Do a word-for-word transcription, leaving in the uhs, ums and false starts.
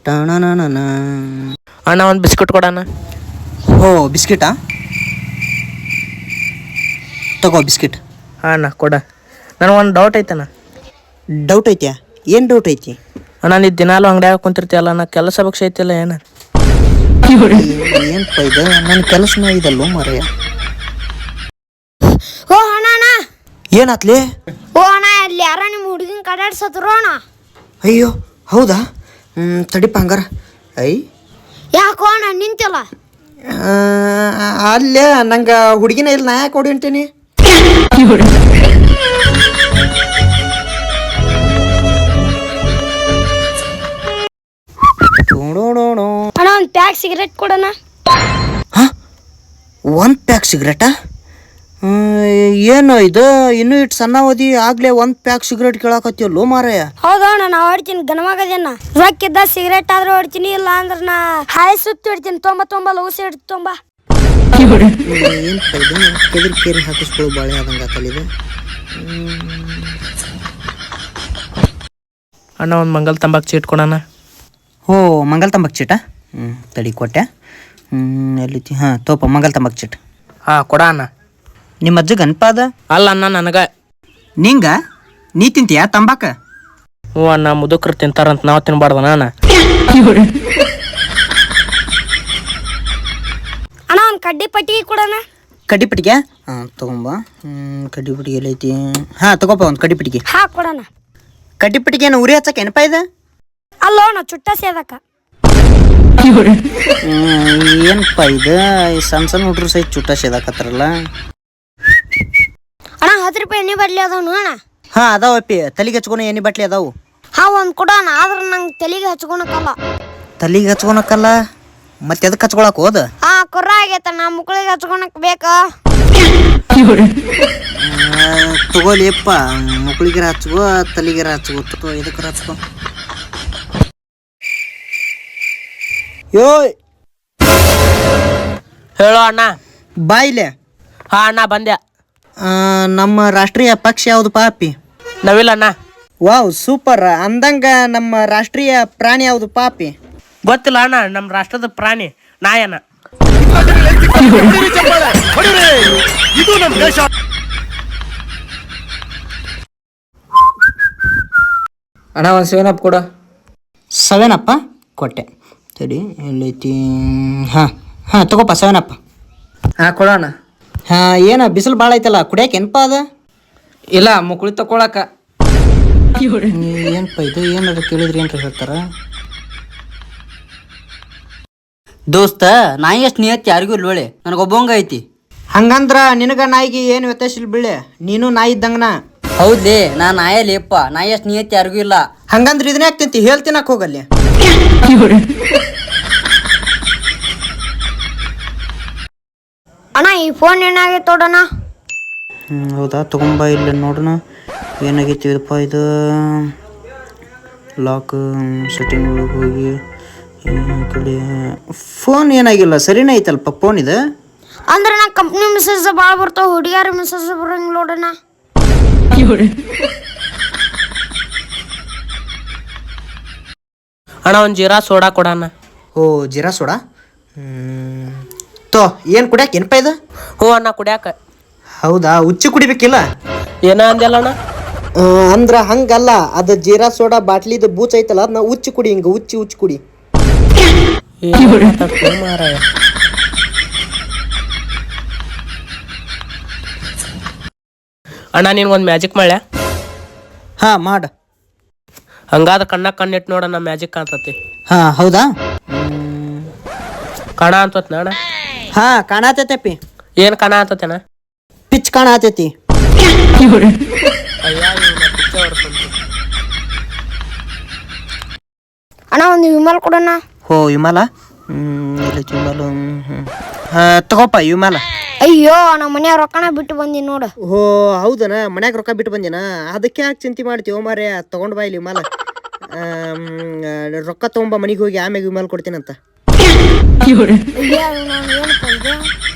ಟಣನನ ಅಣ್ಣ ಒಂದು ಬಿಸ್ಕಿಟ್ ಕೊಡಣ್ಣ. ಓ ಬಿಸ್ಕಿಟಾ, ತಗೋ ಬಿಸ್ಕಿಟ್. ಹಾಂ ಅಣ್ಣ ಕೊಡ. ನನಗೆ ಒಂದು ಡೌಟ್ ಐತಣ್ಣ. ಡೌಟ್ ಐತ್ಯಾ? ಏನು ಡೌಟ್ ಐತಿ ಅಣ್ಣ? ನೀ ದಿನಾಲು ಅಂಗಡಿಯಾಗ ಕುಂತಿರ್ತೀಯಲ್ಲ, ನಾ ಕೆಲಸ ಪಕ್ಷ ಐತಿಲ್ಲ ಏನು? ಏನು ಇದು ನನ್ನ ಕೆಲಸನ ಇದಲ್ಲೋ ಮಾರಾಯ. ಓ ಅಣ್ಣ ಅಣ್ಣ ಏನಾತ್ಲಿ? ಓ ಅಣ್ಣ ಅಲ್ಲಿ ಯಾರ ನಿಮ್ಮ ಹುಡುಗಿನ ಕಡಾಡ್ಸತ್ರು ಅಣ್ಣ. ಅಯ್ಯೋ ಹೌದಾ? ಹ್ಞೂ ತಡಿಪ ಹಂಗಾರ. ಐ ಯಾಕೋ ಅಣ್ಣ ನಿಂತಿಲ್ಲ? ಅಲ್ಲೇ ನಂಗೆ ಹುಡುಗಿನ ಇಲ್ಲ, ನಾ ಯಾಕೆ ಹೊಡಿ ಅಂತೀನಿ? ಅಣ್ಣ ಒಂದು ಪ್ಯಾಕ್ ಸಿಗರೇಟ್ ಕೊಡೋಣ. ಹಾಂ ಒಂದು ಪ್ಯಾಕ್ ಸಿಗರೇಟಾ? ಏನು ಇದು ಇನ್ನೂ ಇಟ್ಟು ಸಣ್ಣ ಓದಿ ಆಗ್ಲೇ ಒಂದು ಪ್ಯಾಕ್ ಸಿಗರೇಟ್ ಕೇಳಾಕತ್ತಿಯಲ್ಲೋ ಮಾರಾಯ. ಹೌದಾ ಅಣ್ಣ, ನಾ ಹೊಡ್ತೀನಿ ಗಣಮಗದೇನ. ರೊಕ್ಕಿದ್ದ ಸಿಗರೇಟ್ ಆದ್ರೂ ಹೊಡ್ತೀನಿ, ಇಲ್ಲ ಅಂದ್ರೆ ನಾ ಹಾಯ್ ಸುತ್ತಿ ಹೊಡ್ತೀನಿ. ತೊಂಬ ತೊಂಬ ಲೂಸಿ ಹಿಡ್ತು ತೊಂಬ. ಏನು ಇದು ಕೆದರಿ ಕೇರಿ ಹಾಕಿಸ್ಕೊಳ್ಳೋ ಬಾಳೆ ಆದಂಗೆ ಆತಲ್ಲಿದೆ. ಅಣ್ಣ ಒಂದು ಮಂಗಲ್ ತಂಬಾಕು ಚೀಟ್ ಕೊಡೋಣ. ಓ ಮಂಗಲ್ ತಂಬಾಕು ಚೀಟ? ಹ್ಞೂ ತಡಿ ಕೊಟ್ಟೆ. ಹ್ಞೂ ಎಲ್ಲಿತಿ? ಹಾಂ ತೋಪ ಮಂಗಲ್ ತಂಬಾಕು ಚೀಟ್. ಹಾಂ ಕೊಡ ಅಣ್ಣ. ನಿಮ್ಮ ಅಜ್ಜ ಗಣಪಾದ? ಅಲ್ಲ ಅಣ್ಣ ನನಗೆ. ನಿಂಗ? ನೀ ತಿಂತೀಯಾ ತಂಬಾಕ? ಹ್ಞೂ ಅಣ್ಣ, ಮುದುಕರು ತಿಂತಾರಂತ ನಾವು ತಿನ್ಬಾರ್ದಣ್ಣ. ಅಣ್ಣ ಅಣ್ಣ ಒಂದು ಕಡ್ಡಿ ಪಟ್ಟಿಗೆ ಕೊಡೋಣ. ಕಡ್ಡಿ ಪಟ್ಟಿಗೆ? ಹಾಂ ತಗೊಂಬ. ಹ್ಞೂ ಕಡ್ಡಿ ಪಟ್ಟಿಗೆ ಎಲ್ಲೈತಿ? ಹಾಂ ತಗೋಪ ಒಂದು ಕಡ್ಡಿ ಪಟ್ಟಿಗೆ. ಹಾಂ ಕೊಡೋಣ. ಕಡ್ಡಿ ಪಟ್ಟಿಗೆ ಏನು ಉರಿ ಹಚ್ಚಕ್ಕೆ ಏನಪ್ಪ ಇದೆ? ಅಲ್ಲೋ ಅಣ್ಣ ಚುಟ್ಟ ಸೇದಕ್ಕ. ಏನಪ್ಪ ಇದು ಸಣ್ಣ ಸಣ್ಣ ಹುಡ್ರು ಸಹಿತ ಚುಟ್ಟ ಸೇದಾಕತ್ತಾರಲ್ಲ. ಅಣ್ಣ ಹತ್ತು ರೂಪಾಯಿ ಎಣ್ಣೆ ಬಡ್ಲಿ ಅದಾವನು ಅಣ್ಣ? ಹಾಂ ಅದಾವಪ್ಪಿ, ತಲೆಗೆ ಹಚ್ಕೊಳ ಎಣ್ಣೆ ಬಾಟ್ಲಿ ಅದಾವು. ಹಾಂ ಒಂದು ಕೊಡೋಣ, ಆದ್ರೆ ನಂಗೆ ತಲೆಗೆ ಹಚ್ಕೊಳಕಲ್ಲ. ತಲೆಗೆ ಹಚ್ಕೊಳಕಲ್ಲ? ಮತ್ತೆ ಎದಕ್ಕೆ ಹಚ್ಕೊಳಕ್ ಹೋದ? ಹಾಂ ಕುರ್ರ ಆಗೈತ, ನಾ ಮುಕ್ಳಿಗೆ ಹಚ್ಕೊಳಕ್ ಬೇಕಾ? ತಗೋಲಿಯಪ್ಪ, ಮಕ್ಳಿಗೆರ ಹಚ್ಕೋ ತಲೆಗೆರ ಹಚ್ಕೋ, ಇದಕ್ಕರ ಹಚ್ಕೋ. ಯೋಯ್ ಹೇಳೋ ಅಣ್ಣ. ಬಾಯಿಲೆ. ಹಾಂ ಅಣ್ಣ ಬಂದ್ಯಾ. ನಮ್ಮ ರಾಷ್ಟ್ರೀಯ ಪಕ್ಷ ಯಾವುದು ಪಾಪಿ? ನವಿಲ್ ಅಣ್ಣ. Wow super. ಅಂದಂಗ ನಮ್ಮ ರಾಷ್ಟ್ರೀಯ ಪ್ರಾಣಿ ಯಾವುದು ಪಾಪಿ? ಗೊತ್ತಿಲ್ಲ ಅಣ್ಣ, ನಮ್ಮ ರಾಷ್ಟ್ರದ ಪ್ರಾಣಿ ನಾಯಣ್ಣ. ಅಣ್ಣ ಒಂದು ಸೆವೆನ್ ಅಪ್ ಕೊಡ. ಸೆವೆನ್ ಅಪ್ಪ ಕೊಟ್ಟೆ. ಸರಿ ಎಲ್ಲೈತಿ? ಹಾಂ ಹಾಂ ತಗೋಪ್ಪ ಸೆವೆನ್ ಅಪ್. ಹಾಂ ಕೊಡೋಣ. ಹಾಂ ಏನು ಬಿಸಿಲು ಭಾಳ ಐತಲ್ಲ, ಕುಡಿಯಕ್ಕೆ ಏನಪ್ಪ ಅದ? ಇಲ್ಲ ಮುಕ್ಳಿ ತಕೊಳಕ. ಏನಪ್ಪ ಇದು ಏನಾದ್ರು ಕೇಳಿದ್ರಿ ಏನ್ರಿ ಹೇಳ್ತಾರ? ದೋಸ್ತ ನಾಯಿ ಎಷ್ಟು ನಿಯತ್ ಯಾರಿಗೂ ಇಲ್ವಳೆ, ನನಗೊಬ್ಬಂಗ ಐತಿ. ಹಂಗಂದ್ರ ನಿನಗ ನಾಯಿಗೆ ಏನು ವ್ಯತ್ಯಾಸ ಇಲ್ಲ ಬೀಳೆ, ನೀನು ನಾಯಿ ಇದ್ದಂಗನ. ಹೌದ್ಲೇ, ನಾ ನಾಯಲೇಪ್ಪ, ನಾಯಿ ಎಷ್ಟು ನಿಯತ್ ಯಾರಿಗೂ ಇಲ್ಲ. ಹಂಗಂದ್ರ ಇದನ್ನ ಯಾಕೆ ತಿಂತಿ? ಹೇಳ್ತಿನಕ್ ಹೋಗಲ್ಲಿ. ಅಣ್ಣ ಈ ಫೋನ್ ಏನಾಗೈತೆ ನೋಡೋಣ. ಹ್ಞೂ ಹೌದಾ, ತಗೊಂಬ ಇಲ್ಲ ನೋಡೋಣ ಏನಾಗೈತಿ ಇದಪ್ಪ. ಇದು ಲಾಕ್ ಸೆಟ್ಟಿಂಗ್ ಒಳಗೆ ಹೋಗಿ ಕಡೆ ಫೋನ್ ಏನಾಗಿಲ್ಲ, ಸರಿನೇ ಐತಲ್ಪ ಫೋನ್ ಇದು. ಅಂದ್ರೆ ನಾ ಕಂಪ್ನಿ ಮೆಸೇಜ್ ಭಾಳ ಬರ್ತಾವ, ಹುಡುಗಿಯಾರ ಮೆಸೇಜ್ ಬರಂಗಿಲ್ಲ ನೋಡೋಣ. ಅಣ್ಣ ಒಂದು ಜೀರಾ ಸೋಡಾ ಕೊಡಣ್ಣ. ಓ ಜೀರಾ ಸೋಡಾ? ತೋ ಏನು ಕುಡಿಯಾಕ ಏನಪ್ಪ ಇದು? ಹ್ಞೂ ಅಣ್ಣ ಕುಡಿಯಾಕ. ಹೌದಾ, ಉಚ್ಚಿ ಕುಡಿಬೇಕಿಲ್ಲ? ಏನ ಅಂದಲ್ಲ ಅಣ್ಣ? ಅಂದ್ರ ಹಂಗಲ್ಲ, ಅದು ಜೀರಾ ಸೋಡಾ ಬಾಟ್ಲಿದು ಬೂಚ್ ಐತಲ್ಲ, ಅದನ್ನ ಉಚ್ಚಿ ಕುಡಿ, ಹಿಂಗ ಉಚ್ಚಿ ಉಚ್ಚಿ ಕುಡಿ. ಮಾರಾಯ ಅಣ್ಣ ನೀನು ಒಂದು ಮ್ಯಾಜಿಕ್ ಮಾಡ್ಯಾ? ಹಾ ಮಾಡ. ಹಂಗಾದ ಕಣ್ಣ ಕಣ್ಣಿಟ್ಟು ನೋಡಣ್ಣ, ಮ್ಯಾಜಿಕ್ ಕಾಣ್ತತಿ. ಹಾ ಹೌದಾ, ಕಾಣ ಅಂತತ್ ಅಣ್ಣ. ಹಾ ಕಾಣತೈತಪ್ಪಿ. ಏನು ಕಾಣ ಅಂತತೇನ? ಪಿಚ್ ಕಾಣತೈತಿ. ಅಣ್ಣ ಒಂದು ವಿಮಲ್ ಕೊಡೋಣ. ಹೋ ವಿಮಲ? ಹ್ಮ್ ಇಲ್ಲ ವಿಮಲ. ಹಾ ತಗೋಪ್ಪ ವಿಮಲ. ಅಯ್ಯೋ ನಮ್ಮ ಮನ್ಯಾಗ ರೊಕ್ಕನ ಬಿಟ್ಟು ಬಂದಿ ನೋಡು. ಹೋ ಹೌದನ, ಮನ್ಯಾಗ ರೊಕ್ಕ ಬಿಟ್ಟು ಬಂದಿನ, ಅದಕ್ಕೆ ಯಾಕೆ ಚಿಂತೆ ಮಾಡ್ತೀವೋ ಮಾರೇ, ತಗೊಂಡ್ ಬಾ ಇಲ್ಲಿ ವಿಮಲ. ರೊಕ್ಕ ತಗೊಂಬ ಮನೆಗೆ ಹೋಗಿ, ಆಮ್ಯಾಗ ವಿಮಲ್ ಕೊಡ್ತೀನಂತ. ಅಯ್ಯೋ ನಾನು ಏನಪ್ಪ ಇದು